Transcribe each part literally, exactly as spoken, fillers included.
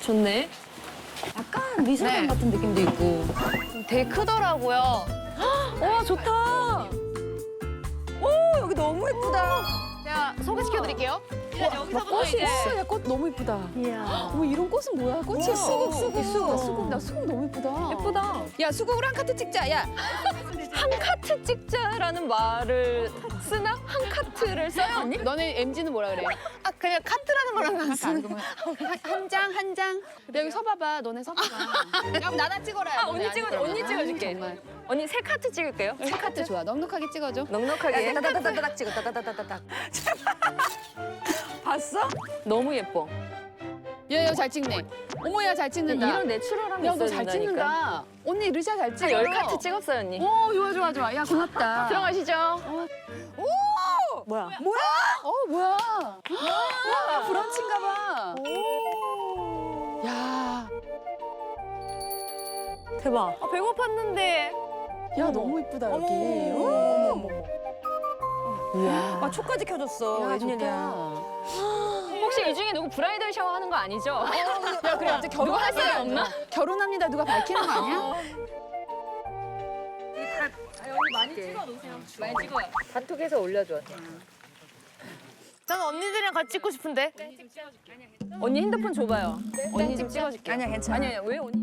좋네. 약간 미술관 네. 같은 느낌도 있고. 되게 크더라고요. 와, 좋다. 오, 여기 너무 예쁘다. 제가 소개시켜드릴게요. 여기서 꽃이 있어. 야, 꽃 너무 예쁘다. 이야. 어머, 이런 꽃은 뭐야? 꽃이 수국, 수국, 수국, 수국. 나 수국 너무 예쁘다. 예쁘다. 야, 수국으로 한 카트 찍자, 야. 한 카트 찍자라는 말을 쓰나? 한 카트를 써요, 언니? 너네 엠지는 뭐라 그래? 아 그냥 카트라는 거랑 같은 한 장, 한 장. 여기 서봐봐. 너네 서봐봐. 야, 나나 찍어라. 아, 언니 찍어줘. 언니 찍어줄게. 정말. 언니 세 카트 찍을게요. 세 카트 좋아. 넉넉하게 찍어줘. 넉넉하게. 따다다다닥 찍어, 따다다다닥. 봤어? 너무 예뻐. 야, 야, 잘 찍네. 어머, 야, 잘 찍는다. 이런 내추럴함이 야, 있어야 너 잘 된다니까. 찍는다. 언니 르샤 잘 찍어. 열 카트 찍었어요, 언니. 오, 좋아, 좋아, 좋아. 야, 고맙다. 들어가시죠. 뭐야? 뭐야? 어, 뭐야? 와, 브런치인가 봐. 야, 대박. 아, 배고팠는데. 야, 너무 이쁘다, 여기. 어머, 어머, 이야. 아, 초까지 켜줬어. 야, 웬일이야. 혹시 이 중에 누구 브라이덜 샤워 하는 거 아니죠? 야, 그래, 갑자기 누가 할 사람 없나? 결혼합니다. 누가 밝히는 거 아니야? 단톡에서 올려줘. 저는 언니들이랑 같이 찍고 싶은데. 언니 핸드폰 줘봐요. 언니 좀 찍어줄게. 아니야, 괜찮아. 아니야, 왜 언니?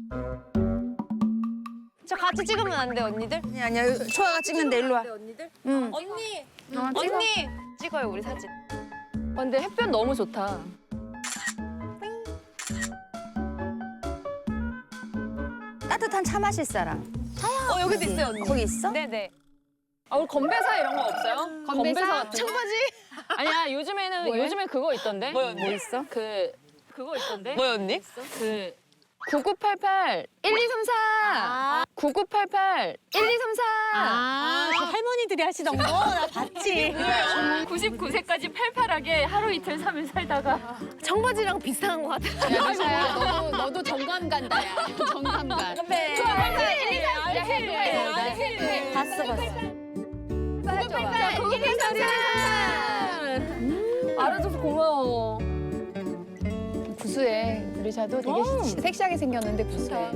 저 같이 찍으면 안 돼, 언니들? 아니야, 아니야. 초아가 찍는데 일로 와. 응. 언니! 어, 찍어. 언니! 찍어요, 우리 사진. 어, 근데 햇볕 너무 좋다. 따뜻한 차 마실 사람. 어, 여기도 있어요, 언니. 거기 있어? 네네. 아, 우리 건배사 이런 거 없어요? 건배사? 같은 거? 청바지? 아니야, 요즘에는, 뭐예요? 요즘에 그거 있던데? 뭐요, 뭐 있어? 그, 그거 있던데? 뭐요, 언니? 그, 구구팔팔 일이삼사 구구팔팔 일이삼사 아, 그 할머니들이 하시던 거 나 봤지. 구십구 세까지 팔팔하게 하루 이틀 삼 일 살다가 청바지랑 비슷한 것 같아. 야, 르샤야, 너도, 너도 정감 간다, 야. 정감 간. 봤어, 봤어. 구구팔팔 일이삼사 알아줘서 고마워. 구수해. 르샤도 되게 시- 섹시하게 생겼는데 구수해.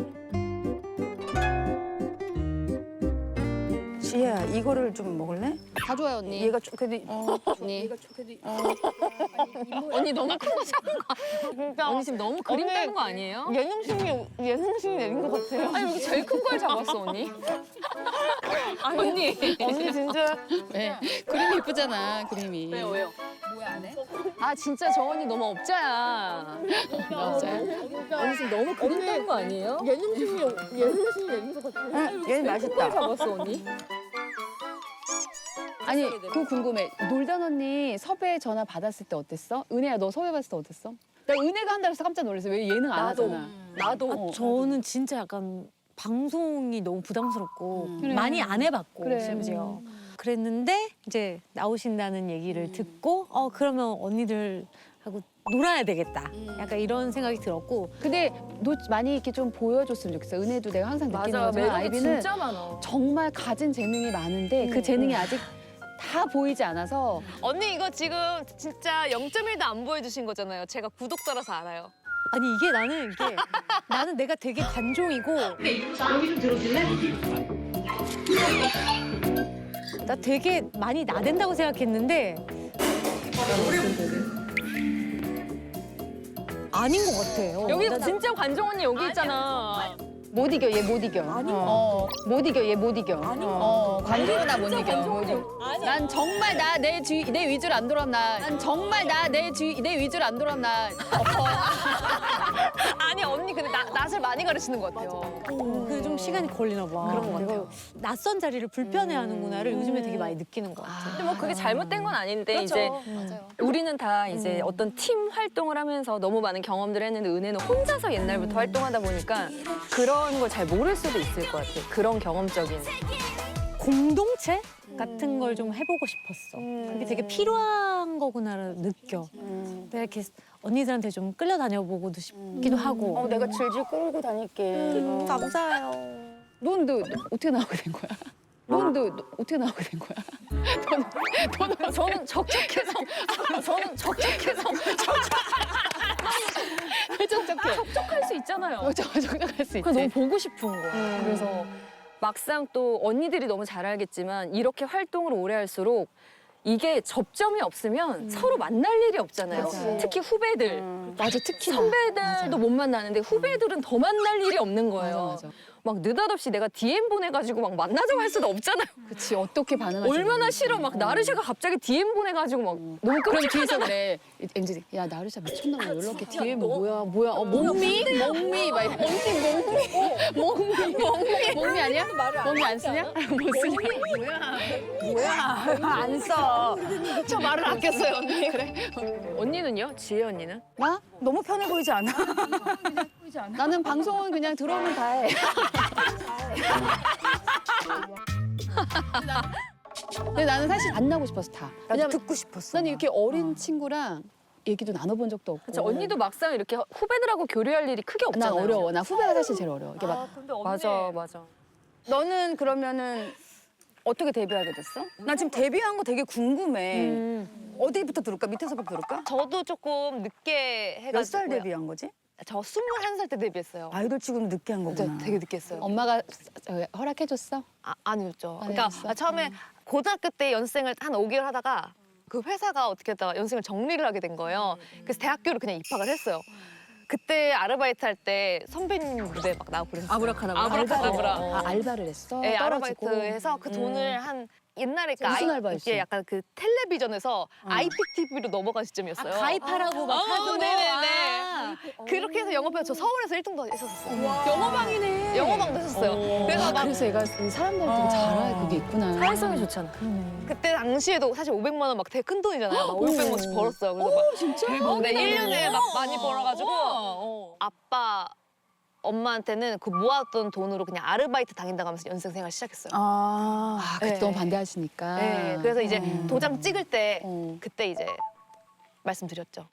지혜야, 이거를 좀 먹을래? 다 좋아요, 언니. 얘가 좀 그래도 어, 언니. 언니 너무 큰 거 잡은 거 진짜. 언니 지금 너무 그림 언니, 따는 거 아니에요? 예능심이, 예능심이 내린 것 같아요. 아니 여기 제일 큰 걸 잡았어 언니. 아니 언니. 언니 진짜. 왜? 그림이 예쁘잖아, 그림이. 왜요 왜요? 아 진짜 저 언니 너무 업자야. 맞아요? 언니 지금 너무 그림 따는 거 아니에요? 예능심이, 예능심이 내린 것 같아요. 응, 얘는 맛있다. 잡았어 언니. 아니, 그거 궁금해. 놀던 언니 섭외 전화 받았을 때 어땠어? 은혜야, 너 섭외 받았을 때 어땠어? 나 은혜가 한다고 해서 깜짝 놀랐어. 왜 예능 안 나도. 하잖아. 나도. 어. 저는 진짜 약간 방송이 너무 부담스럽고 그래. 많이 안 해봤고 그래. 심지어 그랬는데 이제 나오신다는 얘기를 듣고 어 그러면 언니들하고 놀아야 되겠다 약간 이런 생각이 들었고 근데 너 많이 이렇게 좀 보여줬으면 좋겠어. 은혜도 내가 항상 느끼는 맞아 거지만 매력이 아이비는 진짜 많아. 정말 가진 재능이 많은데 그 재능이 아직 다 보이지 않아서 언니 이거 지금 진짜 영 점 일도 안 보여주신 거잖아요. 제가 구독자라서 알아요. 아니 이게 나는 이게 나는 내가 되게 관종이고 나 되게 많이 나댄다고 생각했는데 아닌 것 같아요. 여기 나- 진짜 관종 언니 여기 있잖아. 못 이겨 얘 못 이겨. 어. 못 이겨 얘 못 이겨. 어, 관종은 나못 이겨. 못 이겨. 난 정말 나 내 주위 내 위주로 안 돌아오면 나. 난 정말 나 내 주위 내 위주로 안 돌아오면 나. 아니 언니 근데 나, 낯을 많이 가르치는 것 같아요. 어, 그게 좀 시간이 걸리나 봐. 그런 것 같아요. 낯선 자리를 불편해하는구나를 요즘에 되게 많이 느끼는 것 같아. 근데 뭐 그게 잘못된 건 아닌데 이제 맞아요. 우리는 다 이제 어떤 팀 활동을 하면서 너무 많은 경험들을 했는데 은혜는 혼자서 옛날부터 활동하다 보니까 그런 걸 잘 모를 수도 있을 것 같아. 그런 경험적인. 공동체 같은 걸 좀 해보고 싶었어. 그게 되게 필요한 거구나를 느껴. 내가 이렇게 언니들한테 좀 끌려다녀보고도 싶기도 하고. 어, 내가 질질 끌고 다닐게. 감사해요. 넌 너 어떻게 나오게 된 거야? 넌 너 어떻게 나오게 된 거야? 저는 적적해서 저는 적적해서 촉촉해. 촉촉할 수 있잖아요. 촉촉할 수 있지. 그래서 너무 보고 싶은 거야. 그래서 막상 또 언니들이 너무 잘 알겠지만 이렇게 활동을 오래 할수록 이게 접점이 없으면 서로 만날 일이 없잖아요. 맞아. 특히 후배들. 맞아, 특히 선배들도 못 만나는데 후배들은 더 만날 일이 없는 거예요. 맞아, 맞아. 막 느닷없이 내가 디엠 보내가지고 막 만나자고 할 수도 없잖아요. 그치, 어떻게 반응할지. 얼마나 싫어. 막 나르샤가 갑자기 디엠 보내가지고 막 너무 그럼 끔찍하잖아. 뒤에서 그래. 엠지, 야, 나르샤 미쳤나 봐. 연락해. 뒤에 뭐야, 뭐야. 어, 몽미? 몽미? 막 이래. 언니 몽미? 몽미? 몽미? 몽미 아니야? 몽미 안 쓰냐? 못 쓰냐? 안 써. 저 말을 아꼈어요, 언니. 그래? 언니는요? 지혜 언니는? 나? 너무 편해 보이지 않아? 나는 방송은 그냥 들어오면 다 해. 근데 나는 사실 안 나고 싶었어, 다. 나도 왜냐면 듣고 싶었어. 난 이렇게 어린 친구랑 얘기도 나눠본 적도 없고. 그쵸, 언니도 막상 이렇게 후배들하고 교류할 일이 크게 난 없잖아요. 어려워. 나 후배가 사실 제일 어려워. 이게 막 맞아, 맞아. 너는 그러면은 어떻게 데뷔하게 됐어? 나 지금 데뷔한 거 되게 궁금해. 음. 어디부터 들을까? 밑에서부터 들을까? 저도 조금 늦게 해가지고. 몇 살 데뷔한 거지? 저 스물한 살 때 데뷔했어요. 아이돌 치고는 늦게 한 진짜 거구나. 되게 늦게 했어요. 엄마가 저, 허락해줬어? 아, 아니었죠. 안 그러니까 해줬어? 처음에 고등학교 때 연생을 한 오 개월 하다가 그 회사가 어떻게 했다가 연생을 정리를 하게 된 거예요. 그래서 대학교를 그냥 입학을 했어요. 그때 아르바이트 할 때 선배님 무대 막 나오고 그랬어요. 아브라카다브라. 아브라카다브라. 아, 알바를 했어? 네, 떨어지고? 아르바이트해서 그 돈을 한 옛날에 그 무슨 아이- 알바였어? 이게 약간 그 텔레비전에서 아이피티비로 넘어간 시점이었어요. 가입하라고 막 어, 하던 거. 네네네. 아. 그렇게 해서 영업해서 저 서울에서 일 등도 했었어요. 영어방이네. 영어방도 했었어요. 그래서 아, 막 그래서 얘가 사람들 되게 잘 알, 그게 있구나. 사회성이 좋잖아. 그때 당시에도 사실 오백만 원 막 되게 큰 돈이잖아요. 막 오백만 원씩 벌었어요. 그래서 막 진짜? 네, 일 년에 막 많이 벌어가지고 어. 아빠 엄마한테는 그 모았던 돈으로 그냥 아르바이트 다닌다고 하면서 연생 생활 시작했어요. 아, 아, 그때 네. 너무 반대하시니까. 네, 그래서 이제 도장 찍을 때 어. 그때 이제 말씀드렸죠.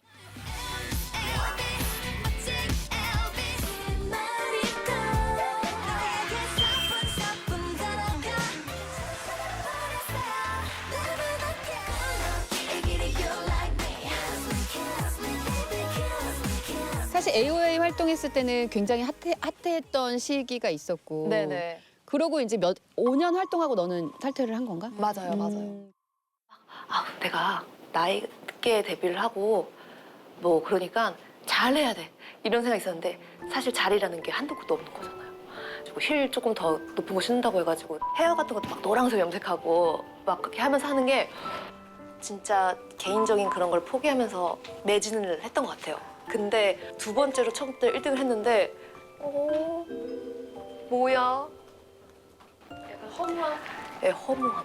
사실 에이오에이 활동했을 때는 굉장히 핫해, 핫했던 시기가 있었고. 네네. 그러고 이제 몇, 오 년 활동하고 너는 탈퇴를 한 건가? 맞아요, 맞아요. 음. 아, 내가 나이 늦게 데뷔를 하고 뭐 그러니까 잘해야 돼 이런 생각이 있었는데 사실 잘이라는 게 한도 끝도 없는 거잖아요. 그리고 힐 조금 더 높은 거 신는다고 해가지고 헤어 같은 것도 막 노란색 염색하고 막 그렇게 하면서 하는 게 진짜 개인적인 그런 걸 포기하면서 매진을 했던 것 같아요. 근데 두 번째로 처음 때 일 등을 했는데 어 뭐야? 약간 허무함? 네, 허무함.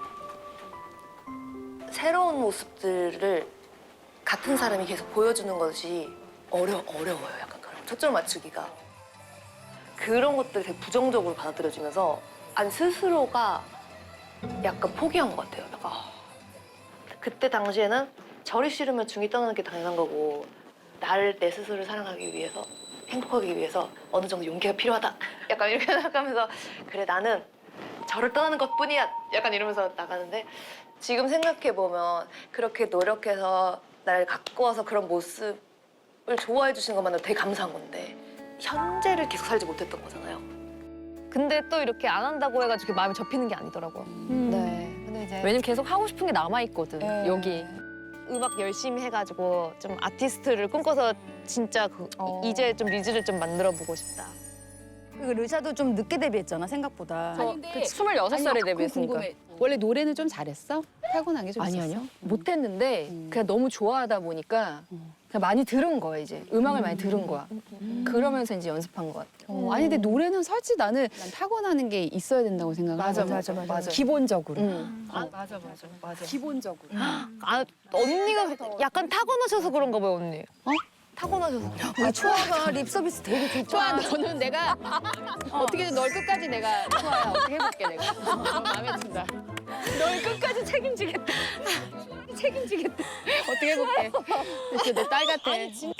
새로운 모습들을 같은 사람이 계속 보여주는 것이 어려, 어려워요. 약간 그런 거. 초점 맞추기가. 그런 것들이 되게 부정적으로 받아들여지면서 아니 스스로가 약간 포기한 것 같아요. 약간 아. 그때 당시에는 저리 싫으면 중이 떠나는 게 당연한 거고 나를 내 스스로를 사랑하기 위해서 행복하기 위해서 어느 정도 용기가 필요하다. 약간 이렇게 생각하면서 그래 나는 저를 떠나는 것뿐이야. 약간 이러면서 나가는데 지금 생각해보면 그렇게 노력해서 날 갖고 와서 그런 모습을 좋아해 주시는 것만으로 되게 감사한 건데 현재를 계속 살지 못했던 거잖아요. 근데 또 이렇게 안 한다고 해가지고 마음이 접히는 게 아니더라고요. 네. 근데 이제 왜냐면 계속 하고 싶은 게 남아있거든, 네. 여기. 음악 열심히 해가지고 좀 아티스트를 꿈꿔서 진짜 그 어. 이제 좀 리즈를 좀 만들어보고 싶다. 그 르샤도 좀 늦게 데뷔했잖아, 생각보다. 아니, 근데 스물여섯 살에 아니, 데뷔했으니까. 궁금해. 원래 노래는 좀 잘했어? 타고난 게 좀 아니, 있었어? 아니요. 못했는데 음. 그냥 너무 좋아하다 보니까 그냥 많이 들은 거야, 이제. 음악을 많이 들은 거야. 그러면서 이제 연습한 것 같아. 어, 아니 근데 노래는 솔직히 나는 난 타고나는 게 있어야 된다고 생각하거든. 맞아, 맞아, 맞아. 기본적으로. 응. 아, 맞아, 맞아, 맞아. 기본적으로. 아, 언니가 약간 타고나셔서 그런가 봐요, 언니. 어? 타고나셔서. 우리 초아가 립 서비스 되게 좋다. 좋아, 너는 내가 어떻게든 널 끝까지 내가 좋아야 어떻게 해볼게 내가. 너 마음에 든다. 널 끝까지 책임지겠다. 책임지겠다. 어떻게 해볼게. 진짜 내 딸 같아.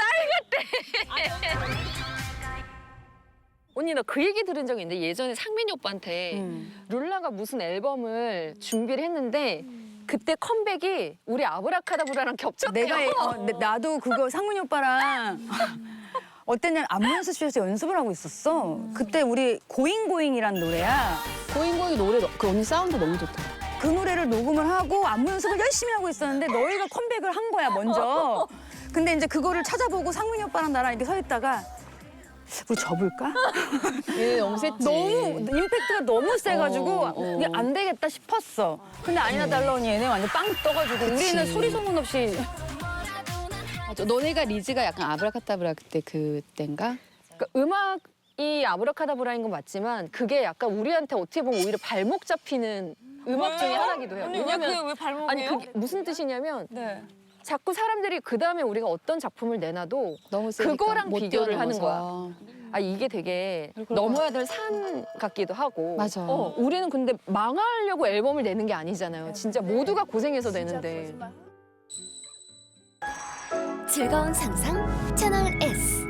언니 나 그 얘기 들은 적이 있는데 예전에 상민이 오빠한테 음. 룰라가 무슨 앨범을 준비를 했는데 그때 컴백이 우리 아브라카다브라랑 겹쳤대요. 내가 어, 내- 나도 그거 상문이 오빠랑 어땠냐면 안무 연습실에서 연습을 하고 있었어. 그때 우리 고잉 고잉이란 노래야. 고잉고잉 노래 너- 그 언니 사운드 너무 좋다. 그 노래를 녹음을 하고 안무 연습을 열심히 하고 있었는데 너희가 컴백을 한 거야 먼저. 근데 이제 그거를 찾아보고 상민이 오빠랑 나랑 이렇게 서 있다가 우리 접을까? 얘 너무 셌지. 너무 임팩트가 너무 세가지고 어, 어. 이게 안 되겠다 싶었어. 근데 아니나 달라오니 얘네 완전 빵 떠가지고 우리는 소리 소문 없이 맞아. 너네가 리즈가 약간 아브라카타브라 그때 그땐가? 그러니까 음악이 아브라카다브라인 건 맞지만 그게 약간 우리한테 어떻게 보면 오히려 발목 잡히는 음악 중에 하나기도 해요. 왜냐면 왜 발목이에요? 아니 그게 무슨 뜻이냐면 네. 자꾸 사람들이 그 다음에 우리가 어떤 작품을 내놔도 너무 세니까. 그거랑 못 비교를 하는 뛰어넘어서. 아 이게 되게 그러니까. 넘어야 될 산 같기도 하고. 맞아. 어, 우리는 근데 망하려고 앨범을 내는 게 아니잖아요. 진짜 모두가 고생해서 내는데. 즐거운 상상 채널 S.